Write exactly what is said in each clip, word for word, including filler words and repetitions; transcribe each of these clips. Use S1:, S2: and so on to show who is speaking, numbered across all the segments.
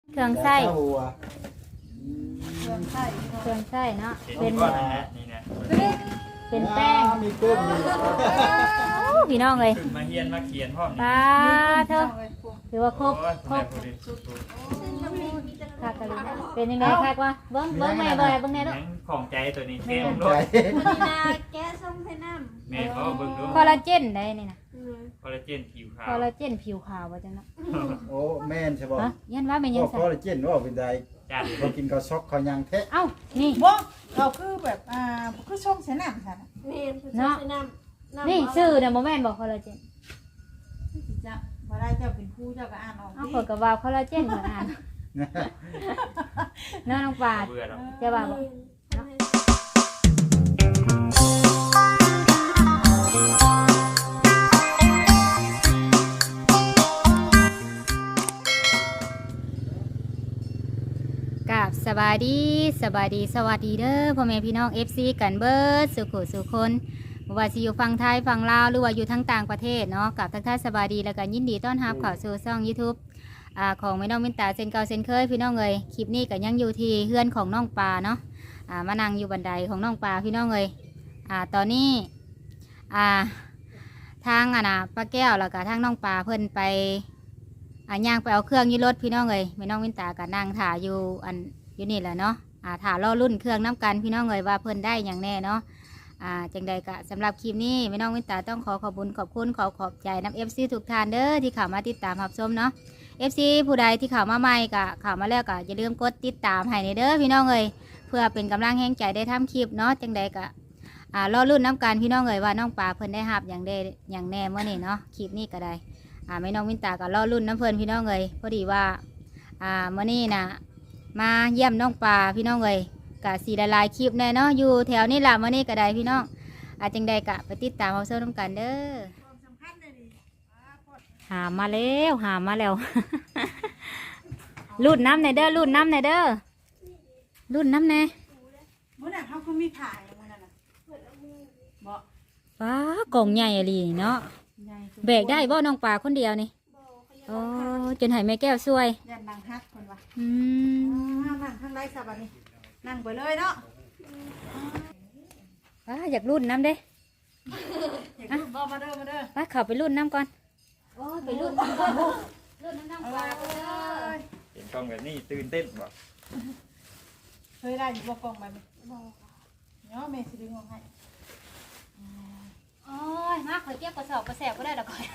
S1: เครื่องไส้
S2: ยาชาหัว
S3: เครื่องไส้
S1: เครื่องไส้เนาะ
S4: เป็
S1: เป็น น
S4: ก้อนนะนี่นะ
S1: เป็นแป้ง
S2: อ่ามีเพิ่มมี
S1: โอ้พี่น้องเลย
S4: ขึ้นมาเฮียนมาเขียนพร้อม
S1: ปลาเถอะถือว่าครบครบ คักกันเลยนะเป็นยังไงคักวะเบิ้งเบิ้งแม่บ่อยเบิ้งแน่ลูก
S4: ยังของใจตัวนี้แก้ม
S2: ใจ
S4: ด้วย
S5: วันนี้นาแกะส้มให้น้ำ
S4: แม่เขาเบิ่งดู
S1: คอลลาเจนได้นี่นะ
S4: คอลลาเจนผิวขาว
S1: คอลลาเจนผิวขาวว่าจังเนาะ
S2: โอ้แม่นใช่ป่ะ
S1: ฮะยันว่าเป็น
S2: บ
S1: ยัง
S2: อก
S1: ไง
S2: คอลลาเจนว่าเป็นไร
S4: จัด
S2: เรากินข้าวซอกข้าวยังแท้
S1: เอ้านี่
S3: บ่เราคือแบบอ่าคือช่องเสน้ำค่ะ
S5: เมนคือส้มให้น้ำน้ำ
S1: นี่ชื่อเนี่ยโมแม่นบอกคอลลาเจน
S3: จะมาได้เจ้าเป็นผู้เจ้าก็อ่านออก
S1: เอา
S3: ดิ
S1: ขวดกับวาวคอลลาเจนเหมือนกันน้องน้องปลา
S4: เบื่อแล้ว
S1: จะว่าบอก กับสบายดีสบายดีสวัสดีเด้อพ่อแม่พี่น้อง เอฟ ซี กันเบิร์ดสุขุสุคนบ่ว่าสิอยู่ฝั่งไทยฝั่งลาวหรือว่าอยู่ทั้งต่างประเทศเนาะกับทักทายสบายดีแล้วก็ยินดีต้อนรับเข้าสู่ช่อง YouTube อ่าของแม่น้องมินตาเซนเก่าเซนเคยพี่น้องเอ้ยคลิปนี้ก็ยังอยู่ที่เฮือนของน้องปลาเนาะอ่ามานั่งอยู่บันไดของน้องปลาพี่น้องเอ้ยอ่าตอนนี้อ่าทางอ่ะนะป้าแก้วแล้วก็ทางน้องปลาเพิ่นไปอ่าย่างไปเอาเครื่องอยี่รถพี่น้องเอ้ยแม่น้องมินตาก็นั่งถ่าอยู่อันอยู่นี่แหละเนาะอ่าถ่ารอรุ่นเครื่องน้ำกันพี่น้องเอ้ยว่าเพิ่นได้อย่างแน่เนาะอ่าจังใดก็สำหรับคลิปนี้แม่น้องมินตาต้องขอขอบคุณขอบคุณขอขอบใจน้ำเอฟซีทุกท่านเด้อที่เข้ามาติดตามรับชมเนาะ เอฟ ซี ผู้ใดที่เข้ามาใหม่ก็เข้ามาแล้วก็อย่าลืมกดติดตามให้ในเด้อพี่น้องเอ้ยเพื่อเป็นกำลังแห่งใจได้ทำคลิปเนาะจังใดก็อ่ารอรุ่นน้ำกันพี่น้องเอ้ยว่าน้องปลาเพิ่นได้หับอย่างได้อย่างแน่เมื่อนี้เนาะคลิปนี้ก็ได้อ่าแม่น้องมินตาก็รอรุ่นน้ำเพิ่นพี่น้องเอ้ยพอดีว่าอ่าเมื่อนี้น่ะมาเยี่ยมน้องปลาพี่น้องเอ้ยก็สีละลายคลิปแน่เนาะอยู่แถวนี้ล่ะเมื่อนี้ก็ได้พี่น้องอาจังใดก็ไปติดตามเอาเสื้อน้ำกันเด้อหามาแล้วหามาแล้ว รุ่นน้ำในเด้อรุ่นน้ำในเด้อรุ่นน้ำใน
S3: มื้อน่ะเขาคือมีถ่ายมื้อนั้นน่ะบ่
S1: ว้ากล่องใหญ่อะลีนี่เนาะ
S3: ใหญ่
S1: แบกได้บ่น้องปลาคนเดียวนี่โอ้จนให้แม่แก้วช่วย
S3: ยันนางฮักคนว่า
S1: อืม
S3: นั่งนั่งข้างไรสับอันนี้นั่งไปเลยเนาะ
S1: ว้าอยากรุ่นน้ำเด้
S3: อย่าขึ้นบ่มาเด้อมาเด้อ
S1: ว้าเข้าไปรุ่นน้ำก่อนโอ้ไปรุ่นน้ำก่อนรุ่นน้ำน้ำปลาเด้อ
S4: เห็นกล้องแบบนี้ตื่นเต้นบ่
S3: เคยได้อยู่บ่กล่องแบบนี้บ่เนาะแม่สิดึงออกให้
S1: โอ้ยมาข่อยเก็บกระสอบกระแสบก็ได้ดอกข่อย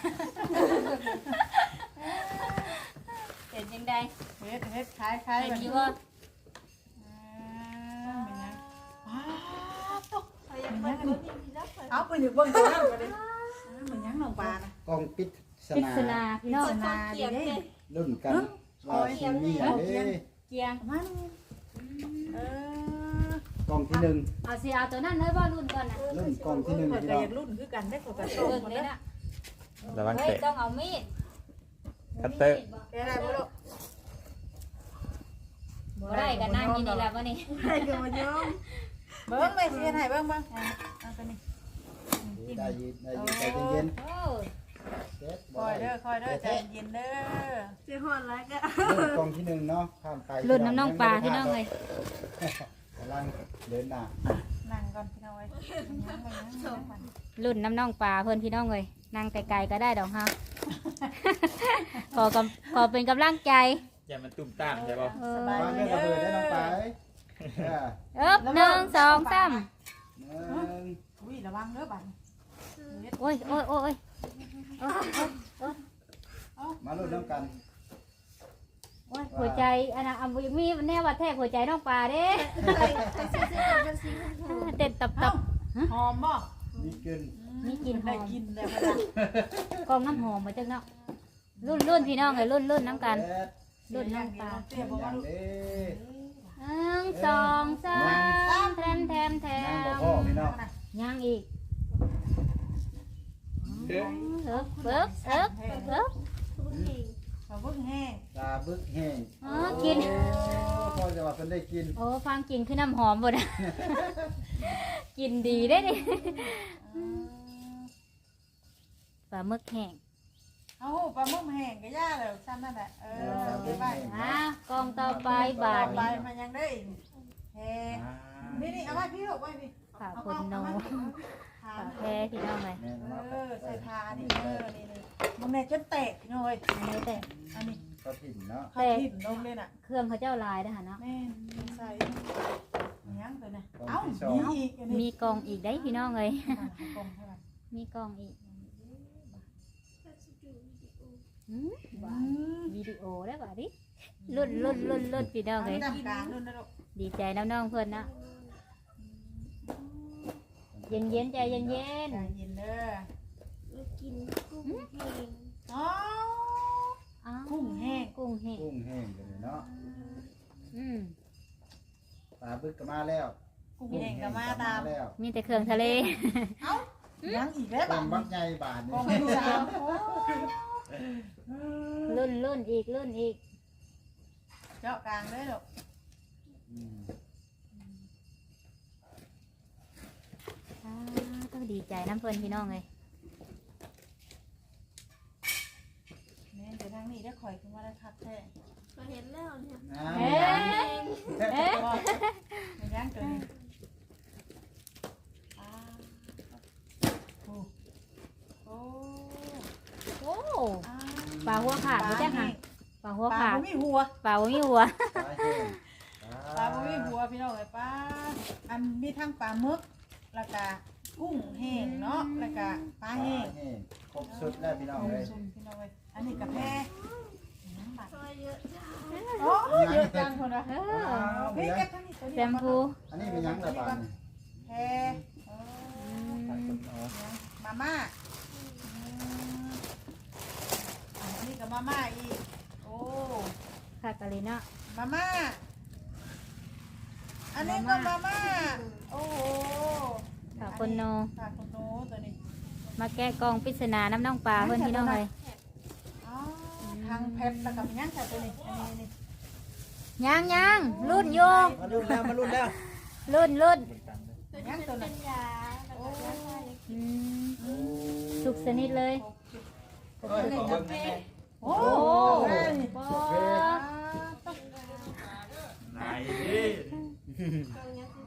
S1: เป็นยังไง
S3: เฮ็ดเฮ็ดคล้ายคล้าย
S1: เป็น
S3: แบบ
S1: อยู่
S3: นี้
S1: บ่
S3: อ่าเป็นยังว้าวตก
S5: เขาอยากมาดูนี่ดีแล้วเปิด
S3: เอาไปอยู่เบิ่งตัวนั้นก็ได้เหมือนยังน้องปลานะ
S2: กล้องปิดส
S1: ปริ
S2: นา
S1: ศนาพี่น้อง
S3: นาดีเด้
S2: รุ่นกันว่าทีวีอันนี้
S1: เกียง
S3: มันเออก
S2: ล้องที่หนึ่ง
S1: เอาสิเอาตัวนั้นเลยบ่รุ่นก่อนนะ
S2: รุ่นกล้องที่หนึ่ง
S3: เปิด
S2: พี่
S3: ก็
S2: น้อ
S3: อง ยากรุ่นคือกันได้กดกระโด
S1: เบิ่
S3: ด
S1: ง
S3: หมด
S1: เลย
S3: เลย
S1: นะ
S4: ระวัง
S1: เฮ้ย
S4: เตะ
S1: ต้องเอามีด
S4: คัตเตอร์
S3: แกได้บ่ลูก
S1: บ่ได้กันนั่งกินนี่แหละมื้อนี้
S5: ใครก็มาย้อม
S3: เบิ่งไปเสียให้เบิ่งเบิ่งเอาตัวนี้
S2: ได้ยินได้ยินใจเย็น
S1: โอ้
S2: ๆเซ็ต
S3: คอยเด้อคอยเด้อใจเย็นเด้อ
S5: เจ้าหอนแล้วก็
S2: รุ่นกล้องที่หนึ่งเนาะข้ามไป
S1: รุ่นน้ำน้องปลาพี่น้องเลย
S2: กำลังเดินหน้า
S3: นั่งก่อนพี่น้องเอ้ย
S1: รุ่นน้ำน้องปลาเพิ่นพี่น้องเลยนั่งไกลๆก็ได้ดอกฮะ ขอกำขอเป็นกำลังใจ
S4: อย่ามันตุ้มตามใช่ป่ะ
S1: เออ
S2: วางเรื่องระเบิดได้น้องปลาเอ้ยเออ
S1: เอ๊บหนึ่งสองสาม
S2: หนึ่ง
S3: อุ้ยระวังเด้อบัด
S1: โอ้ยโอ้ยโอ้ยโอ้ย
S2: มาลุ้นน้ำกัน
S1: โอ้ยหัวใจอันน่ะอันมีแน่ว่าแทกหัวใจน้องปลาเด้
S5: ใครใครซื้อซื้อเป็นสีชมพู
S1: เต้นตับตับ
S3: หอมบ่
S2: มีกลิ่น
S1: มีกลิ่นห
S3: ได้
S1: อม
S3: กินแล้วก็ได้
S1: กองน้ำหอมมาจังเนาะรุ่นรุ่นพี่น้องเลยรุ่นรุ่นน้ำกัน
S2: เซ็ต
S1: รุ่นน้องปลา
S3: เตี้ยบ่
S2: อ
S3: ว่า
S2: ย่าง
S3: ลูก
S2: นี้
S1: หนึ่งสองสามแทมแทมแท
S2: นั่งบ่
S1: ม
S2: พ่อพี่น้อง
S1: ย่างอีก
S4: เด้อ
S1: เอิบเอิบเอิบเอิบ
S5: ทุกที
S3: เขาเบิ่งแห้ง
S2: ตาบึกแห้ง
S1: อ๋อกิน
S2: โอ้พ่อจะว่าเพิ่นได้กิน
S1: โอ้ฟังกินคือน้ำหอมบ่ได้ กินดีได้ดิปลาหมึกแห้ง
S3: เอาปลาหมึกแห้งก็ย่าแล้วซ้ำนั่นแหละเออไปไป
S1: อ่ะกองต่อไปบาท
S3: ไป
S1: นี่
S3: มันยังได้เฮ้นี่นี่เอาไว้พี่ลูกไว้พี่
S1: ฝากคุณโนฝากแพ้พี่น้องเลย
S2: แม่น
S3: เอ
S2: เนาะ
S3: อใส่ทานี่เออนี่นี่มึงเนี่ยจนแตกพี่น้อย
S1: อันนี้แต่
S3: อันนี้
S2: ก็ถิ่นเนาะ
S3: เขาทิ่มลงเลยน่ะ
S1: เครื่องเขาเจ้าลายนะคะเนาะ
S3: แม่ใส่ยังตัวน่ะเอ้ามีอีกอันนี้
S1: มีกองอีกได้พี่น้องเลย
S3: กองเท่าไหร่
S1: มีกองอีก
S5: ก็จะดูวิดีโอ
S1: อืมวิดีโอได้ป่ะดิรุ่นรุ่นรุ่นรุ่นพี่น้องเลย
S3: ดำกลางนู่นนะลูก
S1: ดีใจน้องๆเพื่อนนะเย็นเย็นๆใจเย็นเย็น
S3: ใจเย็นเด้อ
S5: แล้วกินกุ้งแห้ง
S3: อ๋อ
S1: ๆอ้าว
S3: กุ้งแห้ง
S1: กุ้งแห้ง
S2: กุ้งแห้งกันเลยเนาะ
S1: อืม
S2: ปลาบึกก็มาแล้ว
S3: กุ้งแห้งก็มาตาม
S2: แล้ว
S1: มีแต่เครื่องทะเล
S3: เอ้ายังอีกแล้ว
S2: ต้
S3: บ้าม
S2: บักใหญ่บาท
S3: ก
S2: นี่
S3: องที่สามโอ้
S1: รุ่นรุ่นอีกรุ่นอีก
S3: เจาะกลางเลยลูก
S2: อืม
S1: อ้าวต้องดีใจน้ำเพื่อนพี่น้องเลย
S3: แม่เดี๋ยวทางนี้ได้ข่อยขึ้นมาได้คักแท้
S5: ก็เห็นแล้วเนี่ย
S2: อ่า
S1: เอ๊ะเอ๊ะ
S3: ไม่ย่างตัวนี้อ่าโอ้โอ้
S1: โอ้
S3: อ่า
S1: ปลาหัวขาดไม่ใช่ค่ะปลาหัว
S3: ปลา
S1: ขาด
S3: บ่มีหัว
S1: ปลาบ่มีหัว
S2: ปลาแห้ง
S3: ปลาบ่มีหัวพี่น้องเอ้ยปลาอันมีทั้งปลาหมึกแล้วก็กุ้งแห้งเนาะแล้วก็ปลา
S2: ปลา
S3: แห้
S2: แห้
S3: ง
S2: งครบสุดแล้วพี่น้องเลย
S3: ซุ่มพี่น้องเอ้ยอันนี้กาแฟน้ำบัตร
S5: ซอยเยอะจ้า
S3: โอ้เยอะจังคนละ
S1: เออ
S3: พี่เก็บทั้งนี้ตัว
S1: แช
S3: นี้
S1: มพู
S2: อันนี้เป็นหยังระบาดนี่
S3: แพรเออมาม่าอันนี้กับมาม่าอีกโอ้
S1: ค่ะกะลิเนาะ
S3: มาม่าอันนี้ก็มาม่าโอ้โห
S1: ค่ะคนโน
S3: ค่ะคนโนตัวนี้
S1: มาแก้กองปริศนาน้ำน้องปลาเพื่อนพี่น้องเลย
S3: อ๋อทางเพชรแล้วกับย่างใส่ตัวนี้อันนี้นี่
S1: ยังยังรุ่นอยู่
S2: มารุ่นแล้วมารุ่นแล้ว
S1: รุ่นรุ่น
S5: ตัวนี้มันเป็นยาแล้วก็ยาฆ่า
S1: อืมสุกสนิทเลย
S4: เอ้ยขอเบิ่งหน่อยแม่
S3: โอ้
S1: โอ้
S3: โห
S1: โห
S4: นายดิ
S5: กองยังคือ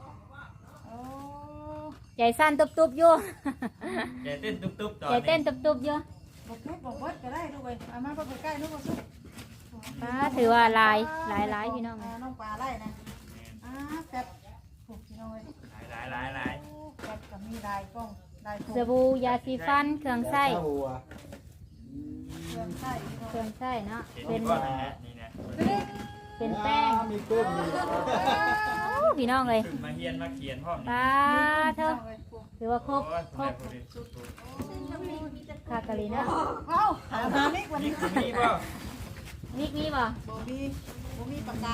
S1: ใจสั้นตุบๆอยู่
S4: ใจเต้นตุ๊บๆตอน
S1: ใจ
S4: นี้
S1: เต้นตุบๆอยู่
S3: บอกทุบบอกวัดก็ได้ลูกเอ้ยเอามาไปใกล้ลูกมาสุก
S1: ป้าถือว่าลายลายลายพี่น้องเลย
S3: น้องปลาไล่นะอ่าแซ่บถูกพี่น้องเลย
S4: หลายหลายหลาย
S3: แซ่บกับมีลายกล้องลายถูก
S1: สบู่ยาสีฟันเครื่องไส้
S2: ยาหัว
S3: เครื่องไส้พี่น้อง
S1: เครื่องไส้เนาะ
S4: เห็น
S1: เป็น
S4: ก้อนนะนี่นะ
S1: เป็นแป้ง
S2: มีกุ้งมี
S1: โอ้พี่น้องเลย
S4: ถึงมาเฮียนมาเขียนพ่อม
S1: ป้าเธอถือว่าครบครบ
S5: ซึ่งน้ำพริกมีแต่
S1: คากะลีเนาะ
S3: เอ้าหามามิกวัน
S4: นี่
S3: นี้
S4: คือมีป่ะ
S1: วิกนี้บ่
S3: โบมีโบมีปากกา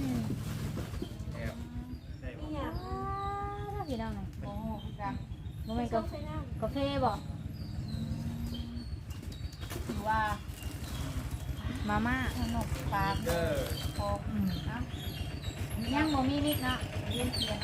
S4: ได้บ่
S5: เนี่ย
S1: ป้าพี่น้องเลย
S3: โอ้ปากกา
S1: โมเมนต์
S5: ต้
S1: กา
S5: องใช้น้
S1: กาแฟบ่
S3: ถือว่า
S1: มาม่า
S3: ขนมปลา
S4: เด้อ
S3: พออืมนะ
S1: ยังบ่มีวิกเนาะ
S3: เลี้ยงเทียน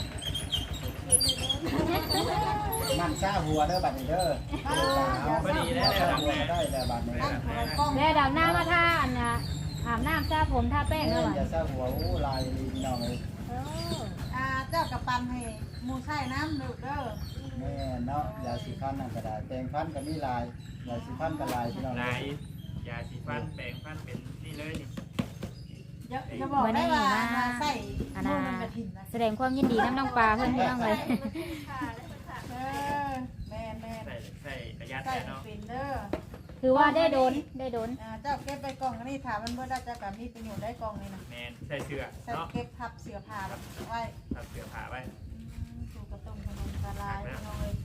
S2: มันซาหัวเด้อบัดนี้เด้อ
S4: พอดีแล้วแล้วทำแม่
S2: ได้แล้วบัดนี้
S3: ตั้งตัวกล้อง
S1: แล้วดาวหน้ามาท่าอันน่ะอาบน้ำซาผมท่าแป้งแล้วบ่
S2: อย่าซาหัวอู้ลายดีพี่น้องเลย
S1: เออ
S3: อ่าเจ้ากับปันให้หมูใส่น้ำลูกเด้อ
S2: แม่เนาะยาสีฟันนั่นก็ได้แปรงฟันก็มีลายยาสีฟันก็ลายพี่น้อง
S4: ลายยาสีฟันแปรงฟันเป็นนี่เลยนี่
S3: อย่าอย่าบอกได้ว่ามาใส่
S1: อัน
S3: นู่
S1: น่ะ
S3: นมันกระถิ่นนะ
S1: แสดงความยินดีน้ำน้องปลาเพื่อนพี่น้องเลย
S5: ำค่ะแล้วก็ค่ะ
S3: เออแม่แม่
S4: ใส่ใส่ระยะ
S3: ใส่
S4: แต่เนาะ
S3: เป็นเด้อ
S1: ถือว่าได้โดนได้โดน
S3: อ่าเจ้าเก็บไปกล่องนี่ถามมันเมื่อได้จะกับมีประโยชน์ได้กล่องนี่นะ
S4: แมนใส่เสื้อ
S3: ใส่
S4: เนาะ
S3: เก็บทับเสือผ้าไว้
S4: ตัดเสื้อผ้าไว้
S3: ถูกกระตุ้มขนมกระลายพี่น้องเลย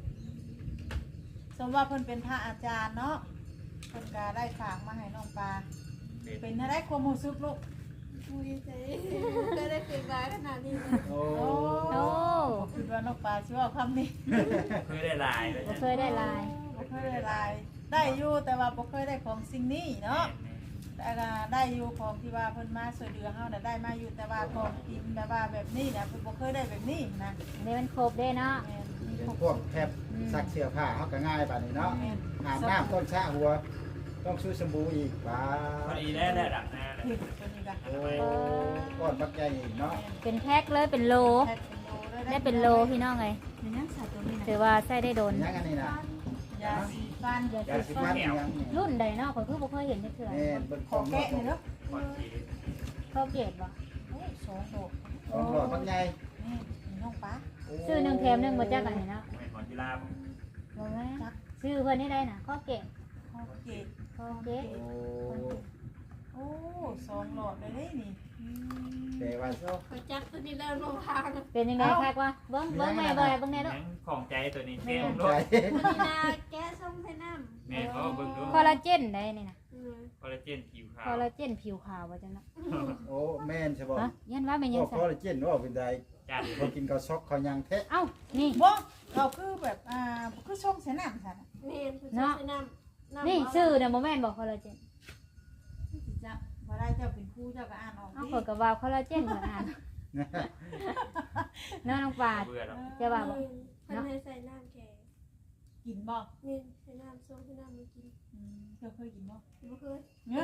S3: สมว่าเพิ่นเป็นพระอาจารย์เนาะเพิ่นก็ได้ฝากมาให้น้องปลา
S4: เป็น
S3: เป็นอะไรความรู้สึกลูก
S5: มุ้ยใจก็ได้เกิดมาขนาดนี้
S2: โอ้
S1: โอ้
S3: คิดว่าน้องปลาชื่อว่าคำนี้
S4: เพื่อได้ลายเลย
S1: บ่เคยได้ลาย
S3: บ่เคยได้ลายได้อยู่แต่ว่าบ่เคยได้ของสิ่งนี้เนาะ แต่ก็ได้อยู่ของที่ว่าเพิ่นมาช่วยเหลือเฮาน่ะได้มาอยู่แต่ว่าของกินแบบว่าแบบนี้น่ะเพิ่นบ่เคยได้แบบนี้นะ
S1: นี่มันครบได้เนาะ
S3: แม่นมี
S2: เป็น
S3: ของ
S2: พวกแคบซักเสื้อผ้าเขาก็ง่ายบัดนี้เนาะ
S3: แม่น
S2: อาบน้ำต้นชะหัว ไปต้องซื้อสบู่อีกป้า
S4: พอดีได้แล้วดับหน้าเลย
S3: ผิดตัวนี้ก็
S2: โอ้ก้อนบักใหญ่อีกเนาะ
S1: เป็นแพ็คเลยเป็นโล
S3: แพ็คเป็นโลเลย
S1: ได้เป็นโลพี่น้องเลย
S3: มันยังใส่ตัวนี้นะ
S1: ถือว่าใส่ได้โดน
S2: ยังอันนี้นะ
S3: ยาสีฟัน
S2: ยาสีฟันยังนี่
S1: รุ่นใดเนาะข้อยคือบ่เคยเห็นจักเทื่อ
S2: แม่นเบิ่ง
S3: ข
S2: ข
S3: อ
S2: อง
S3: แกะเลยเนาะ
S4: ก่อนที
S1: เข้าเกตบ่
S3: โอ้สองดอก
S2: ของหลอดบักใหญ่
S3: นี่มีน้องป้า
S1: ซื้อหนึ่งแถมหนึ่งบ่จักอันนี้เนาะ
S4: เป็นหมอนกีฬาผม
S1: บ่แม่นซื้อเพิ่นนี่ได้น่ะเข้าเกต
S3: คอเกต
S1: เข้าเกต
S2: โอ้
S3: โอ้สองหลอดเลยเด้นี่อืม
S2: แต่ว่าโซ่
S5: ขอจักตัวนี้แล้วลงทาง
S1: เป็นยังไงคักวะเบิ่งเบิ่งแม่เบิ่งเบิ่งแน่เด้อ
S4: ยังของใจตัวนี้
S1: แม่
S4: แม่
S2: ใจ
S4: ด้วย
S5: ตัวนี้นะแก้ส้มไทน้ำ
S4: แม่เขาเบิ่งดู
S1: คอลลาเจนได้นี่น่ะ
S5: เออ
S4: คอลลาเจนผิวขา
S1: คว อลลาเจนผิวขาวว่าจังเนาะ
S2: โอ้แม่นใช่บ่
S1: ฮะยันว่าแม่น
S2: โอ้
S1: ยัง
S2: ค
S1: ใส่
S2: อลลาเจนว่าเป็นได
S4: จัด
S2: บ่กินข้าวซอกข้าวยังแท้
S1: เอ้านี่
S3: บ่เราคือแบบอ่าคือช่องเสน้ำซั่นน่ะ
S5: เมนผู้ชายไทน้ำำ
S1: นี่ซื้อน่ะบ่แม่นบ่คอลลาเจน
S3: สิจ้ะบ่ได้เจ้าเป็นครูเจ้าก็อ่านออก
S1: เอา
S3: ดิ
S1: ข้อยก็ว่าคอลลาเจนเหมือนกันเนาะน้องปาด
S4: เบื่อแล้ว
S1: จะว่าบ่
S5: เออเพิ่นให้ใส่น้ำแข็ง
S3: กินบ่
S5: นี่ใส่น้ำส้มไทน้ำมากิน
S3: อืมเจ้าเคยกินบ่
S5: บ่เคย
S3: เนี่ย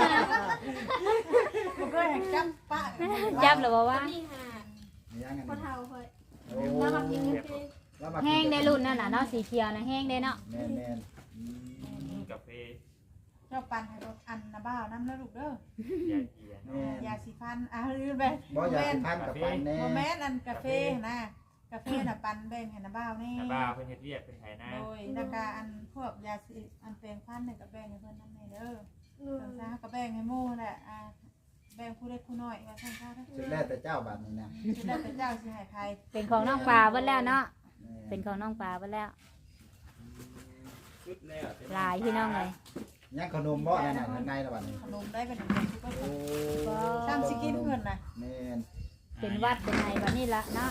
S3: บ่เคยเห็นจับปะ
S1: จับแล้วบ่
S5: ตัว
S1: ว่า
S5: นี้หา
S2: ยังอัน
S5: พ่อ
S2: นี้
S5: เฒ่าค่อย
S2: โอ้
S5: แล้วมากินกาแฟ
S2: แล้วมา
S1: แห้งได้รุ่นนั่นน่ะเนาะสีเขียวน่ะแห้งได้เนาะ
S2: แม่นแม่นอืม
S4: กาแฟ
S3: เจ้าปันให้รถอันนะบ้าวน้ำนะลูกเด้อย
S4: าเกียร์
S2: แม่น
S3: ยาสีฟันอ่ะลืมไป
S2: บ่อยากสิพันกับปันแน่
S3: โมแมนอันกาแฟนะกาแฟน่ะปันแบ่งให้นะบ้าวนี่
S4: แต่บ้าเพิ่นเฮ็ดเรียกเป็นไทยนะ
S3: โดยนากาอันพวกยาสีอันแปลงฟันเนี่ยก็แบ่งให้เพิ่นนำให้เด้อ
S5: เออ
S3: เพิ่นซะก็แบ่งให้หมู่แหละอ่าแบ่งผู้เล็กผู้น้อยว่าซั่นซะเด้อ
S2: สุดแล้วแต่เจ้าบัดนี้นะ
S3: สิได้แต่เจ้าสิให้ใคร
S1: เป็นของน้องปลาเบิดแล้วเนาะ
S2: แม่
S1: เป็นของน้องปลาเบิดแล้ว
S4: ชุดแล้ว
S1: หลายพี่น้องเลย
S2: ยังขนมบ่นั่นน่ะข้างในละบัดนี้
S3: ขนมได้เป็นเป็นซุปเปอร์
S2: โอ้
S3: ฟู้ดซ้ำสิกินเพิ่นน่ะ
S2: แม่น
S1: เป็นวัดเป็นไงบัดนี้ละเนาะ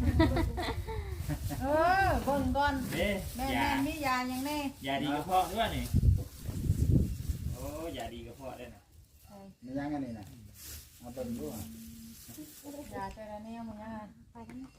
S3: เออเบิ่งก่อน
S4: เด้
S3: แม่
S4: ยา
S3: แม่มียาหยังแน่
S4: ยาดีกระเพาะด้วยนี่โอ้ยาดีกระเพาะด้วยนะ
S2: มียังอันนี้น่ะเอาเบิ่งดูอ่ะ
S3: ยาแต่ละแนวมันยังไง
S1: ไปกันเนาะ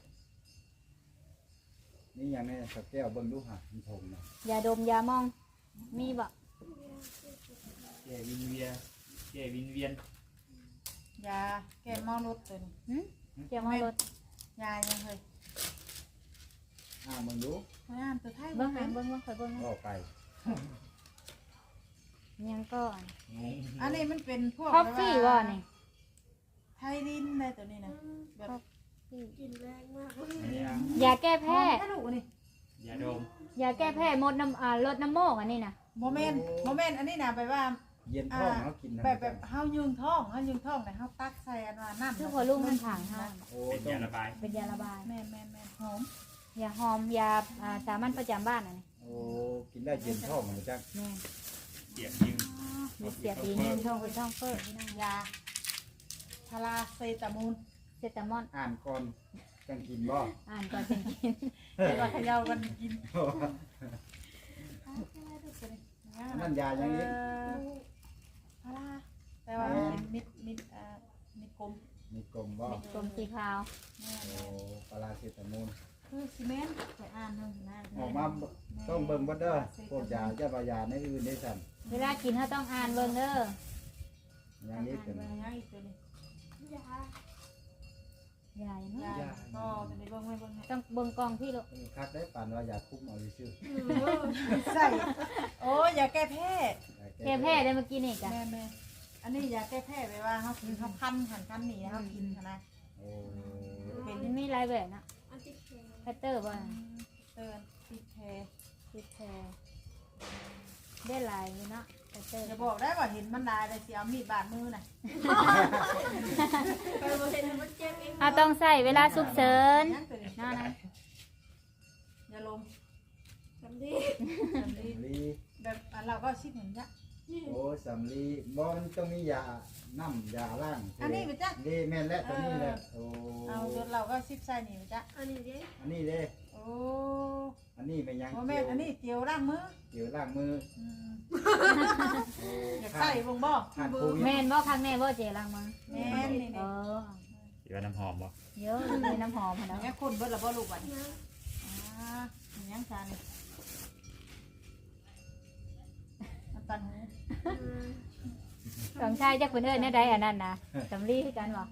S2: นี่ยังแน่สักแก้วเบิ่งดูหะมันทงน่ะ
S1: ยาดมยามอง มีบ่
S4: แก้วินเวียนแก้วินเวียน
S3: ยาแก้เมารถตัวนี้
S1: หึเกี่ยวมารถ
S3: ยายังเคย
S2: อ้าวมึงดู
S3: พยายามตัวไทย
S1: เบิ่ง
S3: ไห
S1: หาเบิ่งเบิ่งคอยเบิ่งนะ
S2: ออกไป
S1: ยังก็
S3: อันนี้มันเป็นพวก
S1: คอฟฟี่บ่นี่
S3: ไทยดินได้ตัวนี้นะแบบ
S5: กินแรงมากเลย
S4: อันนี้ยัง
S1: ยาแก้แพ้
S3: ถ้าลูกนี่
S4: ยาดม
S1: ยาแก้แพ้มดน้ำอ่าลดน้ำโมกอันนี้น่ะ
S3: โมเมนต์โมเมนต์อันนี้นะแบบว่า
S2: เย็นท้องเขากินนะ
S3: แบบแบบเฮายืงท้องเฮายืงท้องเนี่ยเฮาตักใส่อันว่าน้ำ
S1: คือพอลูกมันผางเฮา
S2: โอ้
S4: เป็น
S2: ต้อย
S4: าง ระบาย
S1: เป็นยาระบาย
S3: แม่นแม่นแม่นหอม
S1: ยาหอมยาอ่าสามัญประจำบ้านอันนี้
S2: โอ้กินได้เย็นท้องเหมือนจัง
S1: แม่น
S4: เสียบยิง
S1: มีเสียบอีกหนึงช่องเป็นช่องเฟิร์พี่น้อง
S3: ยาพาราเซตามูล
S1: เซตามอน
S2: อ่านก่อนจังกินบ่
S1: อ่านก่อนเป็นกิน
S3: เดี๋ยวว่าเขย่ากันกิน
S2: นั่นยายังนี้
S3: พาราแต่ว่ามันเป็นมิดมิดอ่ามิดกลม
S2: มีกลมบ่
S1: กลมสีขาว
S3: แม่น
S2: โอ้ปลาเซตามูล
S3: คือซีเมนต์ไปอ่านเท่านั้น
S2: ออกมาต้องเบิ่งบ่เด้อพวกยาจะว่ายาในอื่นได้สั่น
S1: เวลากินเขาต้องอ่านเบิ่งเด้อ
S2: อย่างนี้
S3: อ่า
S2: เป็น
S3: นเบิ่งยังอีกตัวนี้
S5: ยา
S1: ใหญ่เนาะ
S3: ยาก็จะได้เบิ่งไม่เบิ่งให้
S1: ต้องเบิ่งกองพี่ลูก
S2: คักได้ปานว่ายาคุมเอาซื่อ
S3: ใส่โอ้ยาแก้แพ้
S1: แก้แพ้ได้เมื่อกี้นี่กัน
S3: แม่แม่อันนี้ยาแก้แพ้ไปว่าเขากินเขาพันหันกันหนีเขากินนะ
S2: โอ้
S1: มันมีหลายแบบนะ
S5: อันที่แข็ง
S1: แพตเตอร์บ่
S3: เตือนติดแพ้
S1: ติดแพรได้หลายอยู่เนาะแพตเตอร์
S3: อย่าบอกได้ว่าเห็นมันได้เลยสิเอามีดบาดมือน่ะ
S5: ไปบ่เห็นมันเจ็บเอง
S1: เอาต้องใส่เวลาสุกเสริญ
S3: ยังตัวนี้
S1: เนาะนะ
S3: อย่าลม
S5: ทำดี
S3: สำลี
S2: ลี
S3: แบบอันเราก็ชิดเหมือนยะ
S2: โอ้สำลีบ่มันต้องมียาน้ำยาล้าง
S3: อันนี้ไปจ้ะ
S2: ดีแม่นและตัวนี้แหละโอ้
S3: เอาจนเราก็ชิดใส่นี่ไปจ้ะ
S5: อันนี้ดิ
S2: อันนี้เด้
S3: โอ้
S2: อันนี้ไม่ยัง
S3: โมแม่นอันนี้เตียวล้างมือ
S2: เกี่ยวล้างมือ
S3: อืม
S2: โอ้
S3: อยากใส่บ่งบ่
S2: ทานโควิด
S1: แม่นบ่ครั้งแน่บ่เจรังมา
S3: แม่นนี่
S1: เอ
S3: นี่
S1: อ
S4: เดี๋ยวน้ำหอมบ่
S1: เยอะมีน้ำหอมพอ
S3: อัน
S1: เนาะ
S3: นี้คนเบิดละบ่ลูกบัดนี้
S5: นะ
S3: อ่าอันยังซานี่ตังหู
S1: สองชายจักเพิ่นเอิ้นแนวใดอันนั้นน่ะสำลีคือกันบ่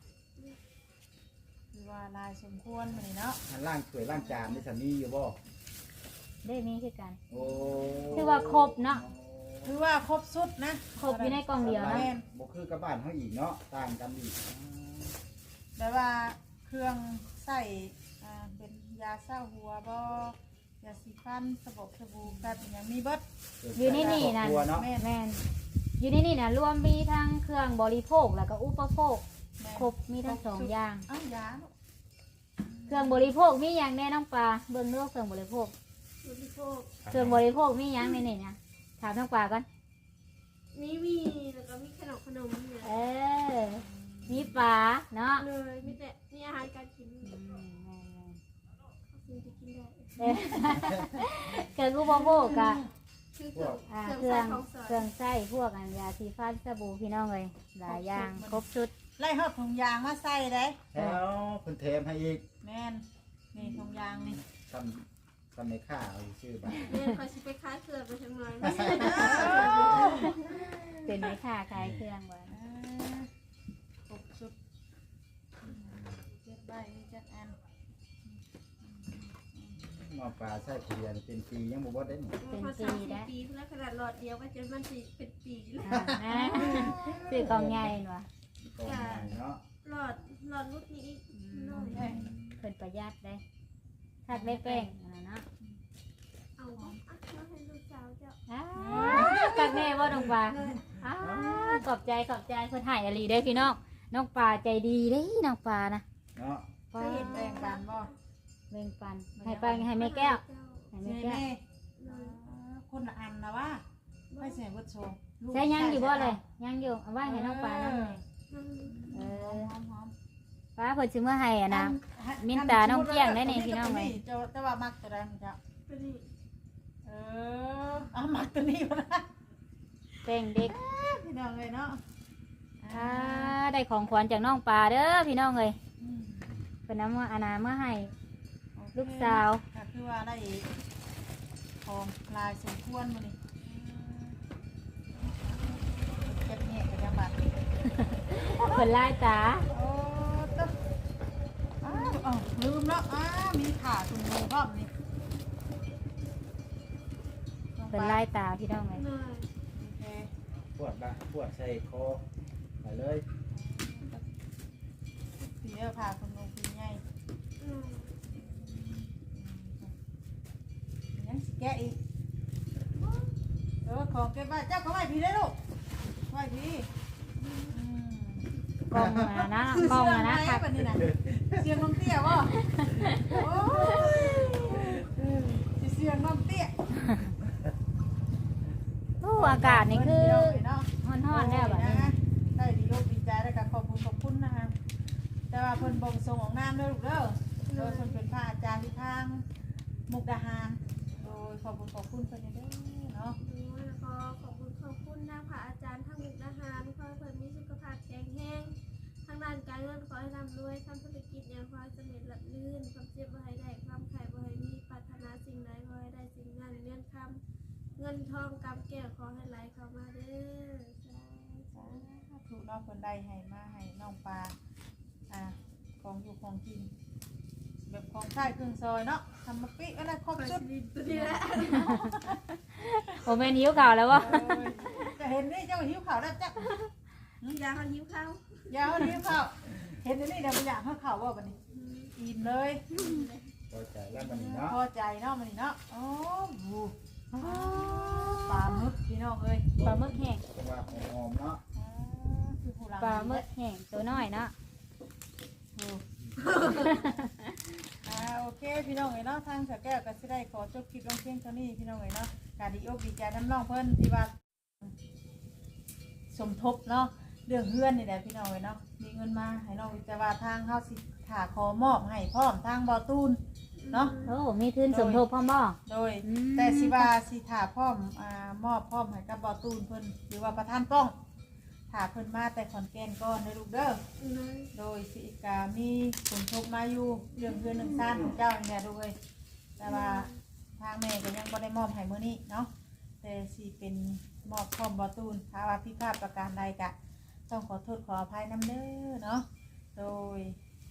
S3: คือว่าลายสมควรมื้อนี้เนาะ
S2: อันล่างถ้วยล่างจานนี่สามีอยู่บ่
S1: ได้มีคือกัน
S2: โอ้
S1: คือว่าครบเนาะ
S3: คือว่าครบสุดนะ
S1: ครบอยู่ในกล่องเดียวนะ
S3: แม่น
S2: บ่คือกับบ้านเฮาอีกเนาะต่างกันอีก
S3: แต่ว่าเครื่องใส่อ่าเป็นยาเศร้าหัวบ่ยาสีฟันสบู่สบู่แบบอหย่างมีเบิด
S1: อยู่ในนี่นั่น
S2: ครอบครัวเนาะ
S3: แม่น
S1: แม่นอยู่ในนี่น่ะรวมมีทั้งเครื่องบริโภคแล้วก็อุปโภค
S3: แม่น
S1: ครบมีทั้งสองอย่าง
S3: อ้าวยาเนาะ
S1: เครื่องบริโภคมีอย่างแน่น้องปลาเบิ่งเรื่องเครื่องบริโภค
S5: บริโภค
S1: เครื่องบริโภคมีอย่างในนี่นะถามน้องปลาก่อน
S5: มีมีแล้วก็มีขนมขนมเนี่ย
S1: เออมีปลาเนาะ
S5: เลยมีแต่มีอาหารการกิน
S1: อืมแม่น
S5: กินจะกินได้
S1: ๆเออเครื่องอุปโภคกะ
S5: คือเครื่อง
S1: อ่า
S5: เค
S1: เค
S5: รื่
S1: รื่
S5: อ
S1: อง ง
S5: ใส่ของสด
S1: เครื่องใช้พวกอันยาสีฟันสบู่พี่น้องเลยหลายอย่างครบชุด
S3: ไล่ฮอดถุงยางมาใส่ได้
S2: แล้วเพิ่นเทมให้อีก
S3: แม่นนี่ถุงยางนี่
S2: ทำทำในข้าเอาชื่อบ้าน
S5: เนี่ยคอยสิไปค้ายเครื่องไปทางไหน
S1: เป็นไหมค่ะขายเครื่องไว้
S3: อ่าครบสุดเจ็ดใบมีเจ็ดอัน
S2: หม้อปลาใส่เกลือนี่เป็นปียังบ่บ่ได้นี่
S5: พอสามสิบปีแล้วขนาดหลอดเดียวก็จะมันสิเป็นปีแล้ว
S1: อ่านะซื้อกล่องใหญ่หน่ะ
S2: ก็ง่ายเนาะ
S5: หลอดหลอดรุ่นนี้อีกน้อย
S3: แม่น
S1: เพิ่นประหยัดได้ทัดไม่แป้งอันนั้นเนาะ
S5: เอาอ่ะแล้วให้ลูกสาวเจ้า
S1: อ้าวกักแน่ว่าน้องปลาอ้าวขอบใจขอบใจเพิ่นให้อลีได้อพี่น้องน้องปลาใจดีเด้น้องปลานะ
S2: เนาะ
S3: เคยเห็นแบ่งกันบ่
S1: เบ่งปันให้ปันให้แม่แก้วให้
S3: ใช่
S1: แม่
S3: แม่
S1: แก้ว
S3: อ่าคนละอันนะว่าไม่ใช่เบิดโชว์ลูก
S1: ใช้ยังอยู่บ่เลยยังอยู่เอาไว้ให้น้องปลานั่นเลยเอ
S3: ห
S1: อ
S3: อมหอม
S1: ป้าเพิ่นซื้อมาให้อ่ะนะ
S3: อั
S1: มิ้นตาน้องเกี้ยงได้นี่พี่น้องไหม
S3: เจ้าแต่ว่ามักตัวใดของเจ้า
S5: เป็นนี่
S3: เออเอามักตัวนี้มานะ
S1: แป้งเด็ก
S3: พี่น้องเลยเนาะ
S1: อ่าได้ของขวัญจากน้องปลาเด้อพี่น้องเลย
S3: อืม
S1: เพิ่นนำมาอานามาให้
S3: โอเค
S1: ลูกสาว
S3: ก็คือว่าได้ของลายสมควรมานี่เก็บเงี้ยกับยาบัตร
S1: เพิ่นลายตา
S3: โอ้ต๊ะอ้าวอ้าวลืมแล้วอ้ามีขาถุงมือพร้อมนี่
S1: เพิ่นลายตาพี่น้องเลย
S5: น้อย
S3: โอเค
S2: ปวดละปวดใส่คอไปเลย
S3: สีเออผ่าคนลงสีใหญ่
S5: น้อย
S3: ยังสิแกะอีกเออของเก็บไว้เจ้าก็ไว้พี่ได้อลูกไว้พี่อืม
S1: กล้องอ่ะนะกล้องอ่ะนะ
S3: เสี
S1: ค
S3: ย
S1: รั
S3: ง
S1: บ
S3: ไหนแบบนี้นะเสียงน้องเตี้ยบ่โอ้ยสิเสียงน้องเตี้ย
S1: โอ้อากาศนี่คือ
S3: เนาะ
S1: ฮ้อนๆแล้วแบบนี้
S3: นะได้ดีโลกดีใจแล้วก็ขอบคุณขอบคุณนะคะแต่ว่าเพิ่นบ่งส่งของน้ำเด้อลูกเด้อโดยเพิ่นเป็นพระอาจารย์ที่ทางมุกดาหารโดยขอบคุณขอบคุณเพิ่นเด้อเนาะ
S5: น้อยแล้วก็ขอบคุณขอบคุณนะพระอาจารย์ทั้งมุกดาหารขอให้เพิ่นมีสุขภาพแข็งแรงทางด้านการเงินขอให้ร่ำรวยทำธุรกิจอย่างขอให้สำเร็จหลับลื่นความเจ็บบ่ให้ได้ความไข่บ่ให้มีปรารถนาสิ่งใดขอให้ได้สิ่งนั้นเงินคำเงินทองกำแก้วขอให้ไหลเข้ามาเด้อสาธุ
S3: ถูกน้องคนใดให้มาให้น้องปลาอ่าของอยู่ของกิน แบบของใช้เครื่องซอยเนาะทำมาปิอะไรครบ
S5: ไป
S3: ชุด
S5: สิตัวนี้แหละ
S1: โอ้แม่นหิวข่าวแล้ววะ
S3: เออจะเห็นนี่เจ้าหิวข่าวได้วจ้ะ
S5: ยาเขายิ้มเข้า
S3: อยาวหิวข่าวเห็นอันนี่เดี๋ยวมันอยากให้ข่าวว่าบันนี้อิ่มเลย
S2: พอใจแล้วมันนี่เนาะ
S3: พอใจเนาะมันนี่เนาะโอ้โหปลาหมึกพี่น้องเอ้ย
S1: ปลาหมึกแห้ง
S2: เพราะว่าหอมๆเนาะ
S3: อ่าคือผู้หลัง
S1: ปลาหมึกแห้งตัวน้อยเนาะ
S3: อ่าโอเคพี่น้องเอ้ยเนาะทางสแก้วก็สิได้ขอจบคลิปลงเพียงเท่านี้พี่น้องเอ้ยเนาะการดีอกดีใจน้ำน้องเพิ่นที่ว่าสมทบเนาะเรื่องเฮือนนี่แหละพี่น้องเอ้ยเนาะมีเงินมาให้น้องแต่ว่าทางเฮาสิถ่าขอมอบให้พร้อมทางบ่อตูนเนาะ
S1: โอ้มีทุนสมทบพ่อหม้อ
S3: โดย
S1: อืม
S3: แต่สิว่าสิถ่าพร้อมอ่ามอบพร้อมให้กับบ่อตูนเพิ่นหรือว่าประธานป้องถ่าเพิ่นมาแต่ขอนแก่นก่อนเด้อลูกเด้อ
S5: น้อย
S3: โดยสิกามีสมทบมาอยู่เรื่องเพื่อนหนึ่งซ่านของเจ้าเนี่ยด้วยแต่ว่าทางแม่ก็ยังบ่ได้มอบให้มื้อนี้เนาะแต่สิเป็นมอบพร้อมบ่ตูนถ้าว่าผิดพลาดประการใดก็ต้องขอโทษขออภัยนำเด้อเนาะโดย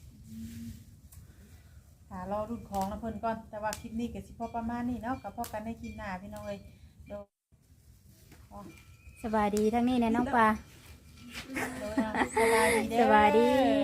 S3: ถ้ารอรุ่นของนะเพิ่นก่อนแต่ว่าคลิปนี้ก็สิพอประมาณนี้เนาะก็พอกันในคลิปหน้าพี่น้องเอ้ยโดย
S1: สบายดีทั้งนี้นะน้องปลา
S3: โดยนะสบายดีเด้อ
S1: สบายดี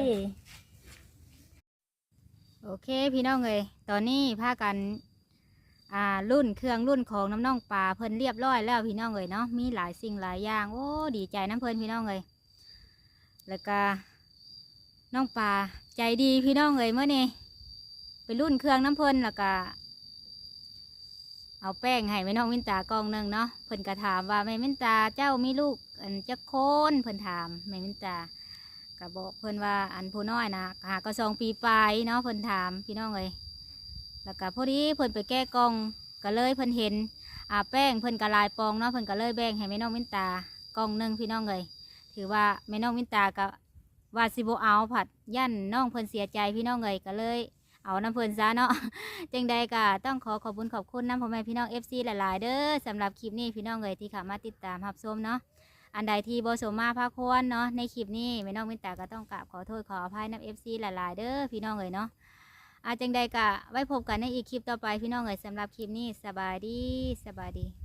S1: โอเคพี่น้องเอ้ยตอนนี้พากันอ่ารุ่นเครื่องรุ่นของน้ำน้องปลาเพิ่นเรียบร้อยแล้วพี่น้องเอ้ยเนาะมีหลายสิ่งหลายอย่างโอ้ดีใจน้ำเพิ่นพี่น้องเอ้ยแล้วก็น้องปลาใจดีพี่น้องเอ้ยเมื่อนี้ไปรุ่นเครื่องน้ำเพิ่นแล้วก็เอาแป้งให้แม่น้องมินตากองหนึ่งเนาะเพิ่นก็ถามว่าแม่มินตาเจ้ามีลูกอันจักโคนเพิ่นถามแม่มินตาก็บอกเพิ่นว่าอันผู้น้อยนะหาก็สองปีปลายเนาะเพิ่นถามพี่น้องเอ้ยแล้วก็พอดีเพิ่นไปแก้กล่องก็เลยเพิ่นเห็นอาแป้งเพิ่นก็ลายปองเนาะเพิ่นก็เลยแบ่งให้แม่น้องมินตากล่องหนึ่งพี่น้องเอ้ยถือว่าแม่น้องมินตาก็ว่าสิบ่เอาผัดยันน้องเพิ่นเสียใจพี่น้องเอ้ยก็เลยเอาน้ำเพิ่นซะเนาะ จังใดก็ต้องขอขอบคุณขอบคุณน้ำพ่อแม่พี่น้อง เอฟ ซี หลายๆเด้อสำหรับคลิปนี้พี่น้องเอ๋ยที่เข้ามาติดตามรับชมเนาะอันใดที่บ่สมมาภาคควรเนาะในคลิปนี้แม่น้องมินตาก็ต้องกราบขอโทษขออภัยน้ำ เอฟ ซี หลายๆเด้อพี่น้องเอ๋ยเนาะอาจังใดก็ไว้พบกันในอีกคลิปต่อไปพี่น้องเอ๋ยสำหรับคลิปนี้สบายดีสบายดี